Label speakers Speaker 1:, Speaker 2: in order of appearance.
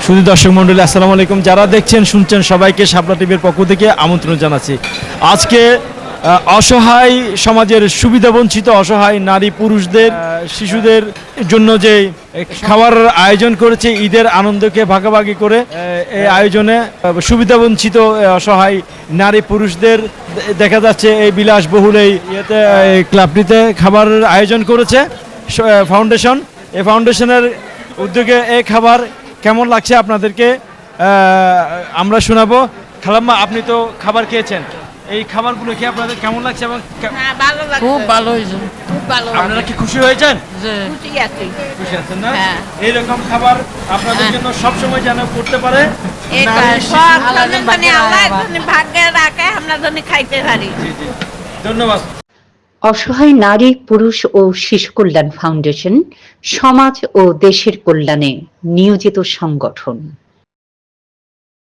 Speaker 1: শুধু দর্শক মণ্ডলী আসসালামু আলাইকুম, যারা দেখছেন শুনছেন সবাইকে শাপলা টিভির পক্ষ থেকে আমন্ত্রণ জানাচ্ছি। আজকে অসহায় সমাজের সুবিধাবঞ্চিত অসহায় নারী পুরুষদের শিশুদের জন্য যে খাবার আয়োজন করেছে, ঈদের আনন্দকে ভাগাভাগি করে এই আয়োজনে সুবিধাবঞ্চিত অসহায় নারী পুরুষদের দেখা যাচ্ছে এই বিলাসবহুল এই ক্লাবটিতে খাবার আয়োজন করেছে ফাউন্ডেশন। এই ফাউন্ডেশনের উদ্যোগে এই খাবার কেমন লাগছে আপনাদেরকে আমরা শোনাবো। খালাম্মা, আপনি তো খাবার খেয়েছেন, এই খাবারগুলো কি আপনাদের কেমন লাগছে? এবং
Speaker 2: খুব ভালো হয়েছে, খুব ভালো।
Speaker 1: আপনারা কি খুশি হয়েছেন? খুশি আছেন না? এইরকম খাবার আপনাদের জন্য সবসময় যেন করতে পারে,
Speaker 2: ভাগ্যে রাখে আমরা যেন খাইতে পারি।
Speaker 1: ধন্যবাদ।
Speaker 3: অসহায় নারী পুরুষ ও শিশু কল্যাণ ফাউন্ডেশন সমাজ ও দেশের কল্যাণে নিয়োজিত সংগঠন।